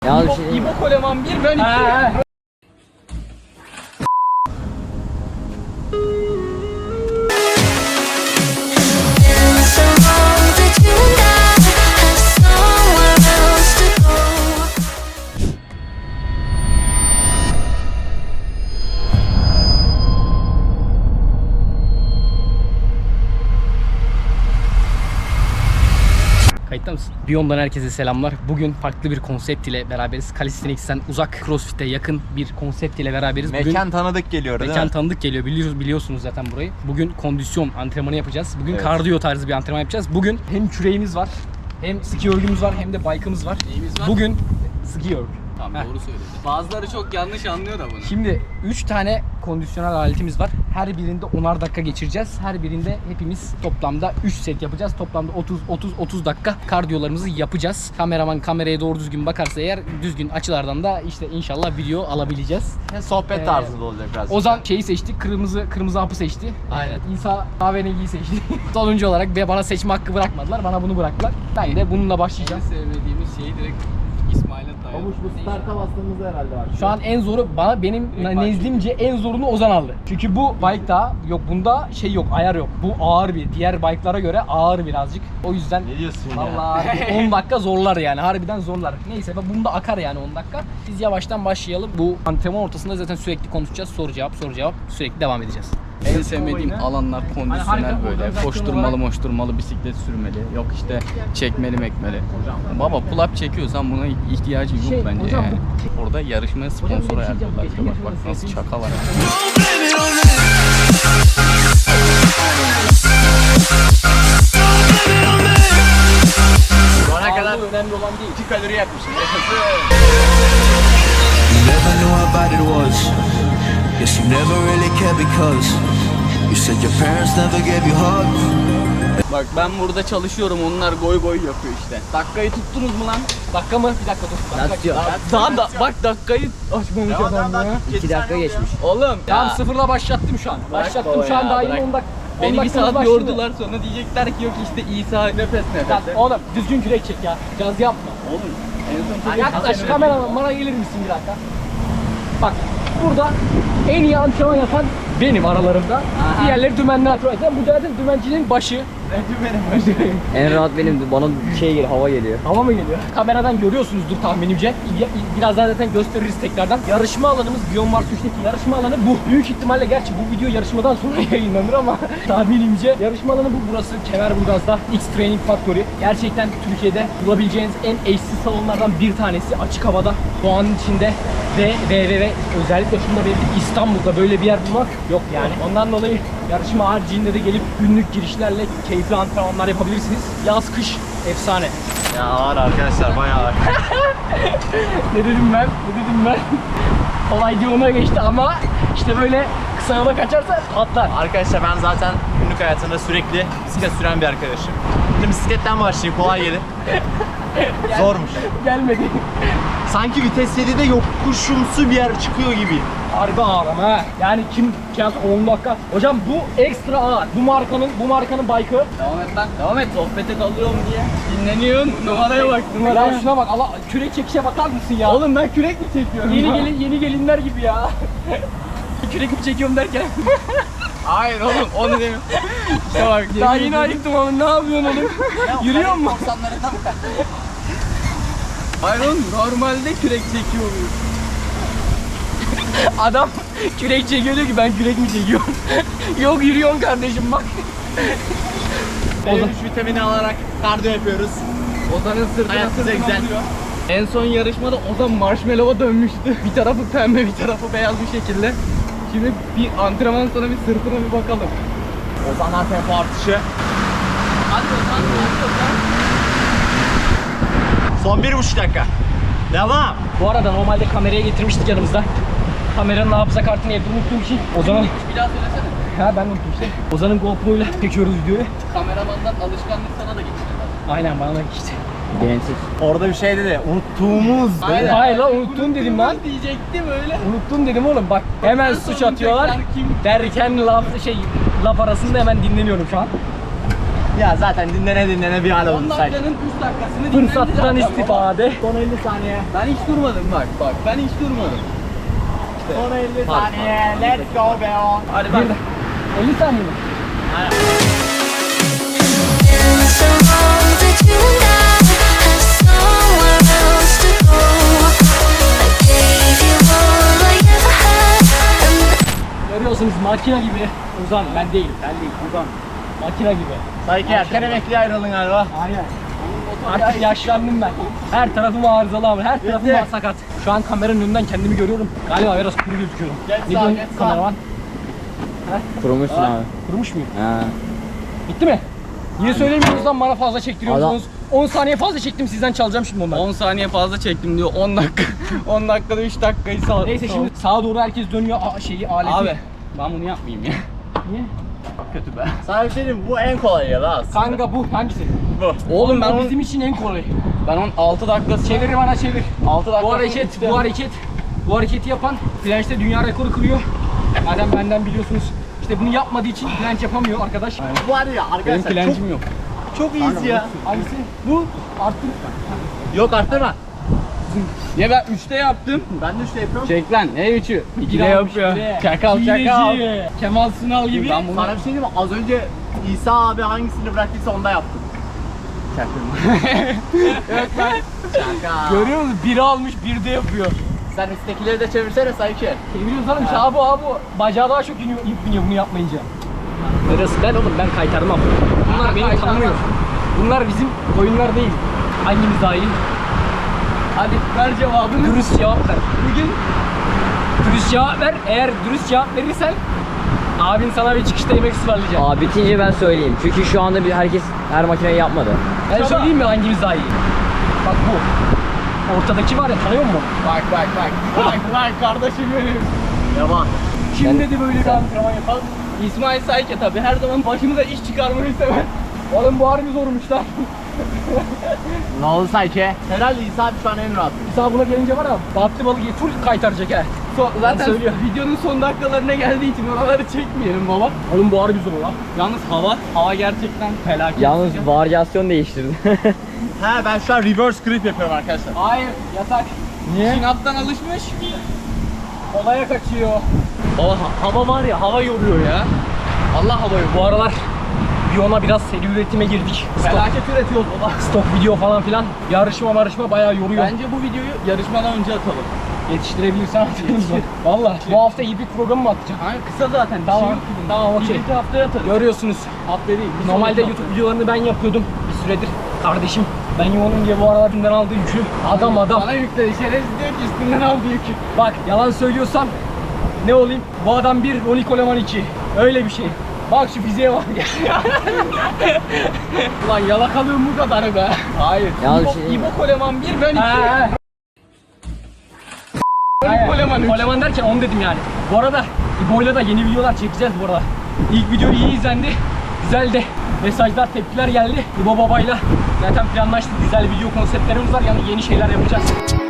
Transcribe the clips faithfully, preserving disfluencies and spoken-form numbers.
Ya İbo, şey... İbo Koleman bir, ben iki. Kayıtta mısın? Beyond'dan herkese selamlar. Bugün farklı bir konsept ile beraberiz. Calisthenics'ten uzak, CrossFit'e yakın bir konsept ile beraberiz. Bugün mekan tanıdık geliyor değil mekan mi? tanıdık geliyor. Biliyoruz, biliyorsunuz zaten burayı. Bugün kondisyon antrenmanı yapacağız. Bugün Evet. kardiyo tarzı bir antrenman yapacağız. Bugün hem küreğimiz var, hem ski örgümüz var, hem de bike'ımız var. Neyimiz var? Bugün ski örgü. Tamam, doğru söyledin. Bazıları çok yanlış anlıyor da bunu. Şimdi üç tane kondisyonel aletimiz var. Her birinde onar dakika geçireceğiz. Her birinde hepimiz toplamda üç set yapacağız. Toplamda otuz otuz otuz dakika kardiyolarımızı yapacağız. Kameraman kameraya doğru düzgün bakarsa eğer düzgün açılardan da işte inşallah video alabileceğiz. Sohbet Ee, tarzında olacak biraz. Ozan şeyi seçti. Kırmızı kırmızı hapı seçti. Aynen. İsa kahverengiyi seçti. Sonuncu olarak ve bana seçme hakkı bırakmadılar. Bana bunu bıraktılar. Ben de bununla En başlayacağım. sevmediğimiz şeyi direkt İsmail'e dayalı. bu starta bastığımızda herhalde var. Şu an en zoru bana benim nezdimce en zorunu Ozan aldı. Çünkü bu bike'da yok, bunda şey yok, ayar yok. Bu ağır bir, diğer bike'lara göre ağır birazcık. O yüzden Ne diyorsun ya? vallahi on dakika zorlar yani, harbiden zorlar. Neyse bunda akar yani on dakika. Biz yavaştan başlayalım. Bu antrenman ortasında zaten sürekli konuşacağız. Soru cevap, soru cevap sürekli devam edeceğiz. En sevmediğim alanlar Hani kondisyonel harika böyle. organizasyon Koşturmalı olarak- moşturmalı, bisiklet sürmeli. Yok işte çekmeli mekmeli. Baba pull-up çekiyorsan buna ihtiyacı yok Şey, bence hocam yani. Orada yarışmaya sponsor bir şey ayarlıyorlar. diyeceğim. Bak bak nasıl şakalar. Şu ana kadar Sağlığı önemli olan değil. iki kalori yakmışım. You never knew how bad it was. Guess you never really cared because you said your parents never gave you hugs. Bak ben burada çalışıyorum, onlar goy goy yapıyor işte. Dakikayı tuttunuz mu lan? Dakika mı? Bir dakika dur. Nasıl diyor? Daha da bak dakikayı açmamış adam ya. iki dakika geçmiş. Oğlum Tamam, ya. sıfırla başlattım şu an. Bırak Başlattım baba şu an ya, daha yeni bırak. on dakika. Beni bir saat yordular, sonra diyecekler ki yok işte İsa nefes Lan nefes. oğlum düzgün kürek çek ya. Gaz yapma. Oğlum en son çok Yaklaş kameraman, bana gelir misin bir dakika? Bak burada en iyi antrenman yapan benim aralarımda. Diğerleri dümenli antrenman yapan. Bu zaten dümencinin başı. En rahat benim. Bana şey geliyor, hava geliyor. Hava mı geliyor? Kameradan görüyorsunuzdur tahminimce. Ya- Birazdan zaten gösteririz tekrardan. Yarışma alanımız Beyond Mars üçteki yarışma alanı bu. Büyük ihtimalle gerçi bu video yarışmadan sonra yayınlanır ama tahminimce yarışma alanı bu. Burası Kemerburgaz'da X Training Factory. Gerçekten Türkiye'de bulabileceğiniz en eşsiz salonlardan bir tanesi. Açık havada, doğanın içinde ve ve ve, ve özellikle şunu da belirteyim, İstanbul'da böyle bir yer bulmak yok yani. Ondan dolayı yarışma haricinde de gelip günlük girişlerle keyifli antrenmanlar yapabilirsiniz. Yaz kış efsane. Ya ağır arkadaşlar, bayağı ağır. Ne dedim ben? Ne dedim ben? Olay diye ona geçti ama işte böyle kısa yola kaçarsa atlar. Arkadaşlar ben zaten günlük hayatımda sürekli bisiklet süren bir arkadaşım. Şimdi bisikletten başlayayım, kolay gelir. Zormuş. Gelmedi. Sanki vites yedide yokuşumsu bir yer çıkıyor gibi. Harbi ağır ama ha. Yani kim kıyas on dakika. Hocam bu ekstra ağır. Bu markanın bu markanın bike'ı. Devam et lan. Devam et. Sohbete kalıyorum diye. Dinleniyorsun. Numaraya bak. Ya Numaraya. şuna bak, Allah, kürek çekişe bakar mısın ya? Oğlum ben kürek mi çekiyorum? Yeni gelin yeni gelinler gibi ya. Kürek mi çekiyorum derken. Hayır oğlum onu demiyorum. İşte bak. Daha yeni ayıktım ama ne yapıyorsun oğlum? Yürüyor mu? Hayır oğlum normalde kürek çekiyor muyum? Adam kürek çekiyor diyor ki ben kürek mi çekiyorum? Yok, yürüyorsun kardeşim bak. B üç vitamini alarak kardiyo yapıyoruz. Ozan'ın sırtına Hayat bize sırtına güzel. vuruyor. En son yarışmada Ozan marshmallow'a dönmüştü. Bir tarafı pembe, bir tarafı beyaz bir şekilde. Şimdi bir antrenman sonra bir sırtına bir bakalım. Ozanlar tempo artışı. Hadi Ozan, hadi Ozan. Son bir buçuk dakika. Devam. Bu arada normalde kameraya getirmiştik yanımızda. Kameranın hafıza kartını evde unuttuğum için Ozan'ın... Bir daha söylesene. Ha ben unuttum işte. Ozan'ın GoPro ile çekiyoruz videoyu. Kameramandan alışkanlık sana da geçti. Aynen, bana da işte. Gençlik. Orada bir şey dedi. Unuttuğumuz. Aynen. Hayır lan, unuttum dedim lan. Diyecektim öyle. Unuttum dedim oğlum, bak hemen suç atıyorlar. tekrar kim- Derken laf şey laf arasında hemen dinleniyorum şu an. Ya zaten dinlene dinlene bir hal on oldu sanki. dakikanın üç dakikasını dinlendi Fırsattan zaten istifade. Son elli saniye. baba. Ben hiç durmadım bak bak ben hiç durmadım. Son elli saniye. Let's go be on. Hadi bak. elli saniye mi? So long that you and I have somewhere else to go. I gave you all I ever had. Görüyorsunuz makina gibi. Ozan ben değilim. Ben değilim. Ozan. Makina gibi. Sayki erken emekliye ayrıldın galiba. Aynen. Artık yaşlandım ben. Her tarafım arızalı ama her tarafım Bitti. sakat. Şu an kameranın önünden kendimi görüyorum. Galiba biraz kuru gözüküyorum. Geç Ne sağa, diyorsun geç sağa. kameraman? Kurumuşsun abi. Kurumuş muyum? Ha. Bitti mi? Niye söylemiyorsunuz lan bana fazla çektiriyorsunuz? on saniye fazla çektim sizden çalacağım şimdi onları. on saniye fazla çektim diyor. on dakika. on dakikada üç dakikayı sağ. Neyse şimdi sağa doğru herkes dönüyor a- şeyi aleti. Abi ben bunu yapmayayım ya. Niye? Kötü be. Sana bir şey diyeyim mi? Bu en kolay ya da aslında. Kanka bu hangisi? Bu. Oğlum ben O onu, bizim için en kolay. ben onun altı dakikası Çevir bana çevir. altı dakika. Bu hareket, bu hareket, bu hareketi yapan French'te dünya rekoru kırıyor. Madem benden biliyorsunuz. İşte bunu yapmadığı için French yapamıyor arkadaş. Bu var ya Benim arkadaşlar çok, flencim yok. çok easy ya. Hangisi? Bu arttır. Yok arttırma. Ya ben üçte yaptım. Ben de işte yapıyorum. Çek lan ne üçü? İkide Bir almış, yapıyor. bir. Çakal çakal. Hileci. Kemal Sunal gibi. Ben bunu Sana bir şey diyeyim mi? Az önce İsa abi hangisini bıraktıysa onda yaptım. Evet ben. Şaka. Görüyor musun? Biri almış, bir de yapıyor. Sen üsttekileri de çevirsene Sayki. Çeviriyoruz oğlum işte abi abi. Bacağı daha çok iniyor, ip biniyor bunu yapmayınca. Neresi ben oğlum ben kaytarmam. Bunlar beni tanımıyor. Bunlar bizim oyunlar değil. Hangimiz daha iyi? Hadi ver cevabını. Dürüst cevap ver. Bugün Dürüst cevap ver. Eğer dürüst cevap verirsen abin sana bir çıkışta yemek ısmarlayacak. Aa bitince ben söyleyeyim. Çünkü şu anda bir herkes her makineyi yapmadı. Ben söyleyeyim mi hangimiz daha iyi? Bak bu. Ortadaki var ya tanıyor musun? bak bak bak. Bak bak kardeşim benim. Yaman. Kim dedi böyle bir antrenman yapalım? İsmail Sayke tabi her zaman başımıza iş çıkarmayı sever. Oğlum bu harbi zormuş lan. Ne oldu Sayki? Herhalde İsa abi şu an en rahat. İsa buna gelince var ya battı balık ye- full kaytaracak he. So, zaten söylüyor. videonun son dakikalarına geldiği için oraları çekmeyelim baba. Oğlum bu harbi zor lan. Yalnız hava, hava gerçekten felaket. Yalnız sıcak. varyasyon değiştirdi. He ben şu an reverse grip yapıyorum arkadaşlar. Hayır yasak. Niye? Sinaptan alışmış. Olaya kaçıyor. Hava, hava var ya hava yoruyor ya. Allah hava yoruyor. Bu aralar Biyona biraz seri üretime girdik. Stok, Felaket üretiyoruz baba. stok video falan filan. Yarışma marışma bayağı yoruyor. Bence bu videoyu yarışmadan önce atalım. Yetiştirebilirsen atarız mı? Valla bu hafta hibrit programı mı atacağım? Hani kısa zaten. bir Tamam, şey yok ki bunda. tamam, okey. Bir haftaya atarız. Görüyorsunuz. Hafta değil. bir Normalde sonraki YouTube videolarını ben yapıyordum bir süredir. Kardeşim ben yoğunum diye bu aralar üstünden aldığı yükü. Adam hafta. adam. Bana yükledi. Şerefsiz diyor ki üstünden aldı yükü. Bak yalan söylüyorsam ne olayım? Bu adam bir, Ronnie Coleman iki. Öyle bir şey. Bak şu fiziğe bak ya. Ulan yalakalığım bu kadarı be. Hayır. Yalnız İbo, bir şey diyeyim mi? İbo Koleman bir, ben iki. He, he. Ronnie Coleman üç. Coleman derken onu dedim yani. Bu arada İbo'yla da yeni videolar çekeceğiz bu arada. İlk video iyi izlendi. Güzel de mesajlar, tepkiler geldi. İbo babayla zaten planlaştık. Güzel video konseptlerimiz var. Yani yeni şeyler yapacağız.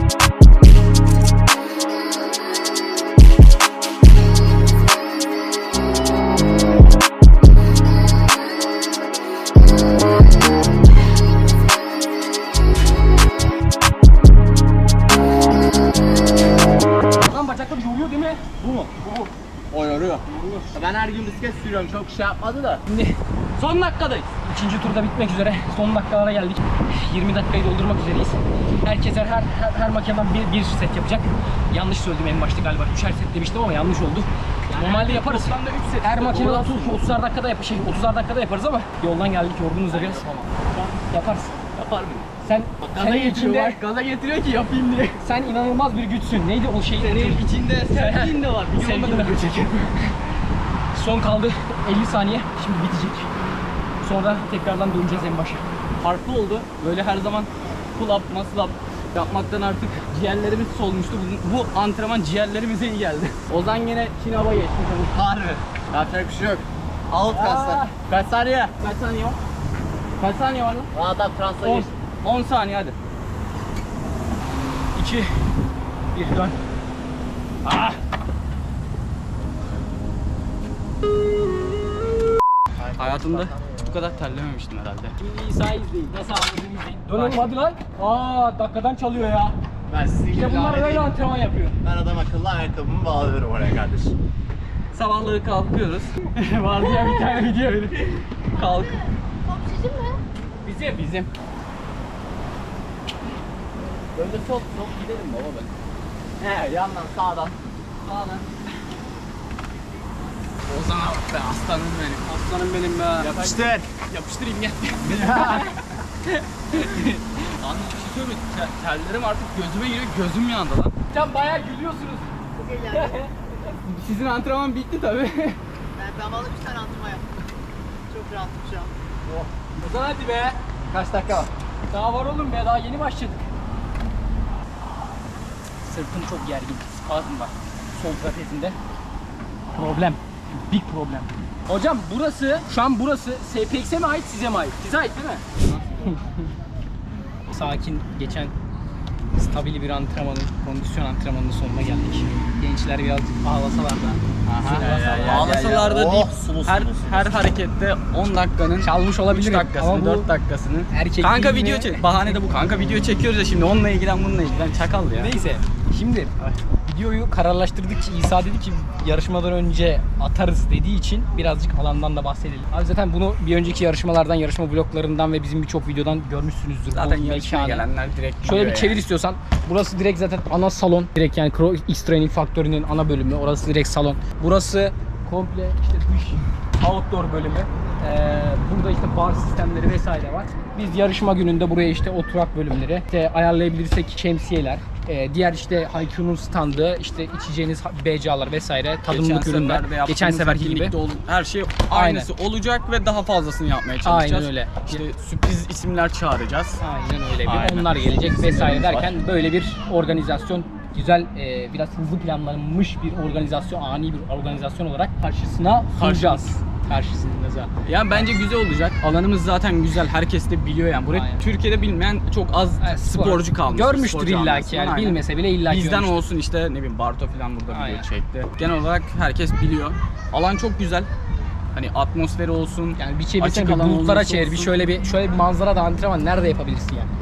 Lan bacakları yoruyor değil mi? Bu mu? Bu bu. O yoruyor. Ben her gün bisiklet sürüyorum. Çok şey yapmadı da. Şimdi Son dakikadayız. İkinci turda bitmek üzere. Son dakikalara geldik. yirmi dakikayı doldurmak üzereyiz. Herkes her, her, her makineden bir, bir set yapacak. Yanlış söyledim en başta galiba. Üçer set demiştim ama yanlış oldu. Normalde yaparız. Toplamda üç set. Her makine Doğru otuz, aslında. otuzar dakikada yap şey otuzar dakikada yaparız ama yoldan geldik yorgunuz da biraz. Yaparız. Yapar mıyım? Sen Gaza senin getiriyor içinde bak. Gaza getiriyor ki yapayım diye. sen inanılmaz bir güçsün. Neydi o şey? Senin içinde sevgin de var. Bir Sevgin yolda de da var. göçecek. Son kaldı elli saniye. Şimdi bitecek. Sonra tekrardan döneceğiz en başa. Farklı oldu. Böyle her zaman pull up, muscle up yapmaktan artık ciğerlerimiz solmuştu. Bu, bu antrenman ciğerlerimize iyi geldi. Ozan yine Çin hava geçti. Harbi. Yapacak bir şey yok. Alt kaslar. Kaç saniye? Kaç saniye var? Kaç saniye var lan? O adam transa on. geçti. on saniye hadi. iki bir dön. Ah! Hayatımda bu kadar terlememiştim herhalde. Şimdi İsa'yı izleyin. Nasıl anladığını izleyin. Dön hadi lan. Aa dakikadan çalıyor ya. Ben sizin gibi İşte bunlar lanet böyle değilim. antrenman yapıyor. Ben adam akıllı ayakkabımı bağlıyorum oraya kardeşim. Sabahları kalkıyoruz. Vardı ya bir tane video öyle. Kalk. Bizim. Bizim. Böyle sol sol gidelim baba ben. He yandan sağdan. Sağdan. Ozan'a bak be aslanım benim. Aslanım benim be. Yapıştır. Yapıştırayım gel. Anladın bir şey söyleyeyim. Ter- Terlerim artık gözüme giriyor. Gözüm yandı lan. Sen bayağı gülüyorsunuz. Sizin antrenman bitti tabi. Ben zamanlı bir tane antrenman yaptım. Çok rahatım şu an. Ozan hadi be. Kaç dakika var? Daha var oğlum be daha yeni başladık. Sırtım çok gergin. Spazm var. Sol trapezimde. Problem. Big problem. Hocam burası, şu an burası S P X'e mi ait size mi ait? Size ait değil mi? Sakin geçen stabil bir antrenmanın, kondisyon antrenmanının sonuna geldik. Gençler birazcık ağlasalar da. Ağlasalar da Oh, deyip sulu her sulu. her harekette on dakikanın Çalmış olabilir üç dakikasını, ama bu dört dakikasını. erkek Kanka değil video mi? çek. Bahane de bu. Kanka video çekiyoruz ya şimdi onunla ilgilen bununla ilgilen. Çakal ya. Neyse şimdi videoyu kararlaştırdıkça İsa dedi ki yarışmadan önce atarız dediği için birazcık alandan da bahsedelim. Abi zaten bunu bir önceki yarışmalardan, yarışma vloglarından ve bizim birçok videodan görmüşsünüzdür. Zaten Bu yarışmaya mekanı. gelenler direkt Şöyle bir biliyor çevir yani. istiyorsan. Burası direkt zaten ana salon. Direkt yani Pro X Training Factory'nin ana bölümü. Orası direkt salon. Burası komple işte dış outdoor bölümü. Ee, burada işte bar sistemleri vesaire var. Biz yarışma gününde buraya işte oturak bölümleri, işte ayarlayabilirsek şemsiyeler, e, diğer işte Haikyuu'nun standı, işte içeceğiniz B C A'lar vesaire, tadımlık Geçen ürünler. seferde yaptığımız Geçen seferki gibi. birlikte ol- her şey aynısı olacak ve daha fazlasını yapmaya çalışacağız. Aynen öyle. İşte sürpriz isimler çağıracağız. Aynen öyle. Bir Aynen. onlar gelecek vesaire İsimlerimiz var. derken böyle bir organizasyon güzel, e, biraz hızlı planlanmış bir organizasyon, ani bir organizasyon olarak karşısına sunacağız. Karşısında. Yani bence güzel olacak. Alanımız zaten güzel. Herkes de biliyor yani. Burayı Aynen. Türkiye'de bilmeyen çok az Evet, spor. sporcu kalmış. Görmüştür sporcu illaki anlasın. yani. Aynen. Bilmese bile illaki Bizden görmüştür. olsun işte ne bileyim Barto falan burada Aynen. video çekti. Genel olarak herkes biliyor. Alan çok güzel. Hani atmosferi olsun. Yani bir çevirsene, açık bir alan bulutlara olursa çevir, bir olsun. şöyle bir şöyle bir manzara da antrenman nerede yapabilirsin yani?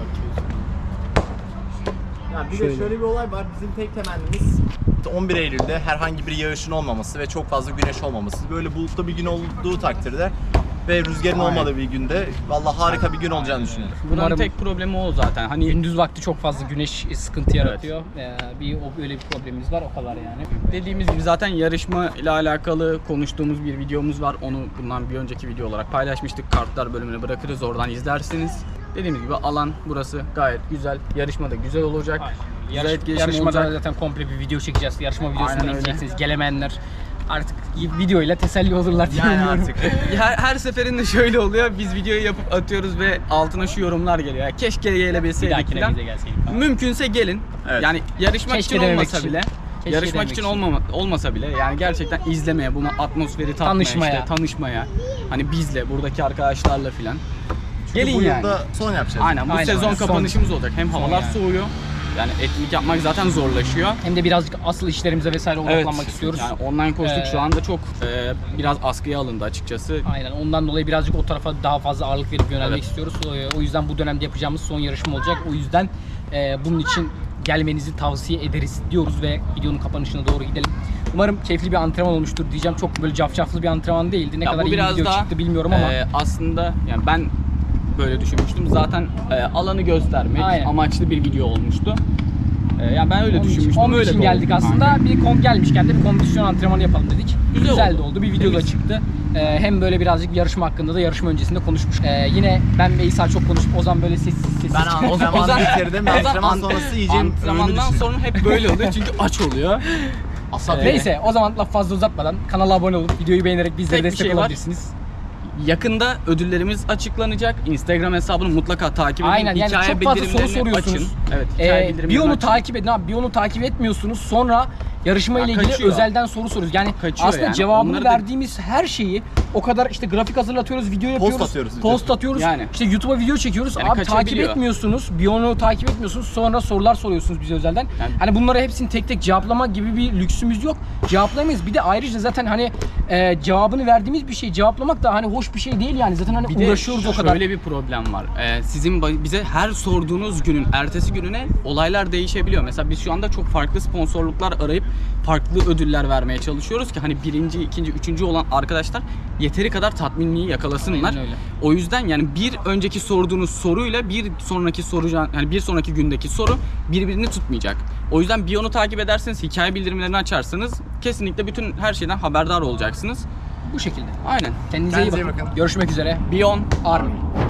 Ya bir Şöyle. de şöyle bir olay var. Bizim tek temennimiz on bir Eylül'de herhangi bir yağışın olmaması ve çok fazla güneş olmaması. Böyle bulutlu bir gün olduğu takdirde ve rüzgarın Aynen. olmadığı bir günde vallahi harika bir gün olacağını düşünüyorum. Buranın Umarım- tek problemi o zaten. Hani Gündüz vakti çok fazla güneş sıkıntı yaratıyor. Ee, bir o öyle bir problemimiz var, o kadar yani. dediğimiz gibi zaten yarışma ile alakalı konuştuğumuz bir videomuz var. Onu bundan bir önceki video olarak paylaşmıştık. Kartlar bölümüne bırakırız. Oradan izlersiniz. Dediğimiz gibi alan burası gayet güzel. Yarışma da güzel olacak. Güzel Yarış, etkileşim yarışmada olacak. zaten komple bir video çekeceğiz. Yarışma videosunu Aynen öyle. izleyeceksiniz. Gelemeyenler artık videoyla teselli olurlar diye Yani umuyorum. artık. Her, her seferinde şöyle oluyor. Biz videoyu yapıp atıyoruz ve altına şu yorumlar geliyor. Ya keşke Bir gelebilseydik dahakine falan. bize gelseydik. Mümkünse gelin. Evet. Yani yarışmak Keşke için dememek olmasa için. bile. Keşke yarışmak demek için için. olmama, olmasa bile yani gerçekten izlemeye, bunu atmosferi tatmaya, Tanışmaya. işte tanışmaya. Hani bizle, buradaki arkadaşlarla filan. Çünkü Gelin bu yani. yılda son yapacağız. Aynen bu Aynen, sezon aynen. Son- kapanışımız olacak. Hem son havalar yani. soğuyor. Yani etkinlik yapmak zaten zorlaşıyor. Hem de birazcık asıl işlerimize vesaire odaklanmak Evet. istiyoruz. Yani online koştuk Ee, şu anda çok e, biraz askıya alındı açıkçası. Aynen, ondan dolayı birazcık o tarafa daha fazla ağırlık verip yönelmek Evet. istiyoruz. O- O yüzden bu dönemde yapacağımız son yarışma olacak. O yüzden e, bunun için gelmenizi tavsiye ederiz diyoruz ve videonun kapanışına doğru gidelim. Umarım keyifli bir antrenman olmuştur diyeceğim. Çok böyle cafcaflı bir antrenman değildi. Ne Ya kadar bu iyi bir biraz video daha, çıktı bilmiyorum ama. e, aslında yani ben böyle düşünmüştüm. Zaten e, alanı göstermek Aynen. amaçlı bir video olmuştu. E, yani ben öyle Onun için, düşünmüştüm. onun öyle için de geldik oldu. aslında. Aynen. Bir kon gelmişken de bir kondisyon antrenmanı yapalım dedik. Güzel Güzel oldu. de oldu. Bir video da Temiz. çıktı. Ee, hem böyle birazcık yarışma hakkında da yarışma öncesinde konuşmuş. Ee, yine ben ve İsa çok konuşup Ozan böyle sessiz sessiz. Ben antrenman Ozan- bitirdim. Ozan Antrenman ant- sonrası yiyeceğim ürünü Antrenmandan düşünüyorum. sonra hep böyle oluyor çünkü aç oluyor. Asap Neyse o zaman laf fazla uzatmadan kanala abone olup videoyu beğenerek bizlere Tek bir destek şey var. olabilirsiniz. Yakında ödüllerimiz açıklanacak. Instagram hesabını mutlaka takip edin. Aynen, yani Hikaye çok fazla soru bildirimlerini soruyorsunuz. Açın. Evet, hikaye Ee, bildirimlerini bir onu açın. takip edin abi. Bir onu takip etmiyorsunuz. Sonra yarışma Ya ile ilgili kaçıyor. özelden soru soruyoruz. Yani Kaçıyor aslında yani. cevabını Onları da- verdiğimiz her şeyi O kadar işte grafik hazırlatıyoruz, video yapıyoruz. atıyoruz video. Post atıyoruz. Yani. İşte YouTube'a video çekiyoruz. Yani Abi takip kaçabiliyor. etmiyorsunuz. Biyonu takip etmiyorsunuz. Sonra sorular soruyorsunuz bize özelden. Yani- Hani bunları hepsini tek tek cevaplamak gibi bir lüksümüz yok. Cevaplayamayız. Bir de ayrıca zaten hani e, cevabını verdiğimiz bir şey cevaplamak da hani hoş bir şey değil yani. Zaten hani Bir de uğraşıyoruz o kadar. şöyle bir problem var. Ee, sizin ba- bize her sorduğunuz günün ertesi gününe olaylar değişebiliyor. Mesela biz şu anda çok farklı sponsorluklar arayıp farklı ödüller vermeye çalışıyoruz ki hani birinci, ikinci, üçüncü olan arkadaşlar yeteri kadar tatminliği yakalasınlar. Aynen öyle. O yüzden yani bir önceki sorduğunuz soruyla bir sonraki soracağın yani bir sonraki gündeki soru birbirini tutmayacak. O yüzden Biyon'u takip ederseniz, hikaye bildirimlerini açarsanız kesinlikle bütün her şeyden haberdar olacaksınız. Bu şekilde. Aynen. Kendinize iyi Kendinize iyi bakın. bakın. Görüşmek üzere. Biyon Army.